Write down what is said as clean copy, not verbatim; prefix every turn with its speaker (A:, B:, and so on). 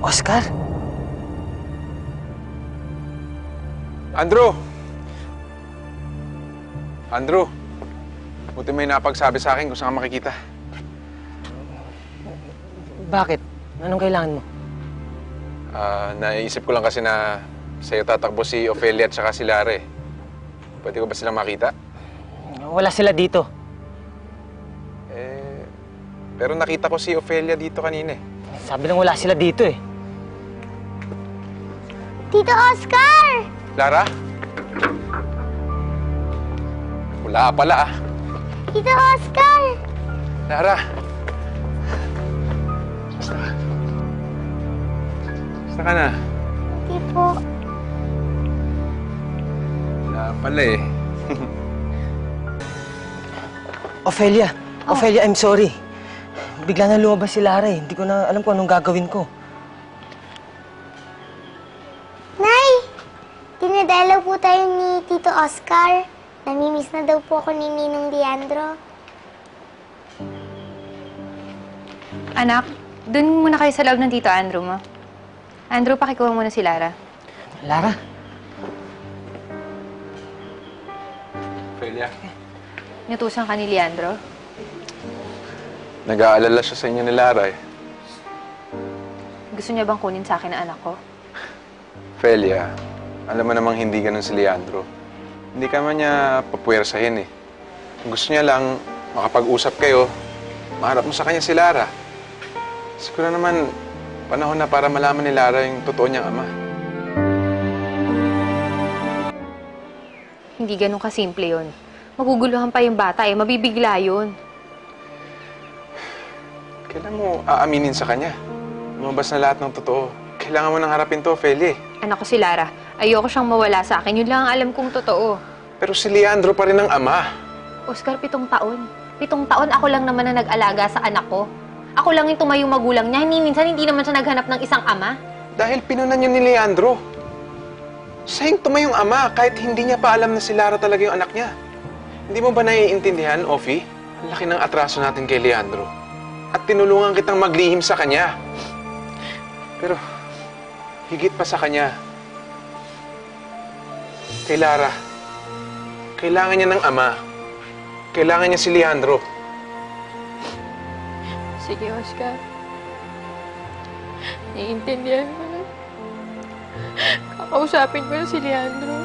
A: Oscar?
B: Andrew! Andrew! Buti may napagsabi sa akin kung saan ka makikita.
A: Bakit? Anong kailangan mo?
B: Naisip ko lang kasi na sa'yo tatakbo si Ophelia at saka si Lara eh. Pwede ko ba silang makita?
A: Wala sila dito.
B: Pero nakita ko si Ophelia dito kanina eh.
A: Sabi lang wala sila dito eh.
C: Tito Oscar!
B: Lara? Wala pala ah.
C: Tito Oscar!
B: Lara! Basta ka na.
C: Hindi po.
B: Wala pala eh.
A: Ophelia! Ophelia, I'm sorry. Bigla na lumabas si Lara eh. Hindi ko na alam kung anong gagawin ko.
C: Nay! Dinadalaw po tayo ni Tito Oscar. Namimiss na daw po ako ni Ninong Leandro.
D: Anak, dun muna kayo sa loob ng Tito Andrew mo. Andrew, pakikuha muna si Lara.
A: Lara?
B: Ophelia.
D: Inutusan ka ni Leandro.
B: Nag-aalala siya sa inyo ni Lara eh.
D: Gusto niya bang kunin sa akin ang anak ko?
B: Ophelia, alam mo namang hindi ganun si Leandro. Hindi ka man niya papuwersahin eh. Gusto niya lang makapag-usap kayo, maharap mo sa kanya si Lara. Siguro naman, panahon na para malaman ni Lara yung totoo niyang ama.
D: Hindi ganun kasimple yun. Maguguluhan pa yung bata eh. Mabibigla yun.
B: Kailan mo aaminin sa kanya? Lumabas na lahat ng totoo. Kailangan mo nang harapin to, Ophelia.
D: Anak ko si Lara. Ayoko siyang mawala sa akin. Yun lang ang alam kong totoo.
B: Pero si Leandro pa rin ang ama.
D: Oscar, 7 taon. 7 taon ako lang naman na nag-alaga sa anak ko. Ako lang yung tumayong magulang niya. Minsan hindi naman siya naghanap ng isang ama.
B: Dahil pinunan niyo ni Leandro. Siya yung tumayong ama kahit hindi niya pa alam na si Lara talaga yung anak niya. Hindi mo ba naiintindihan, Ophie? Ang laki ng atraso natin kay Leandro. At tinulungan kitang maglihim sa kanya. Pero, higit pa sa kanya, kay Lara, kailangan niya ng ama. Kailangan niya si Leandro.
D: Sige, Oscar. Naiintindihan ko na. Kakausapin ko na si Leandro.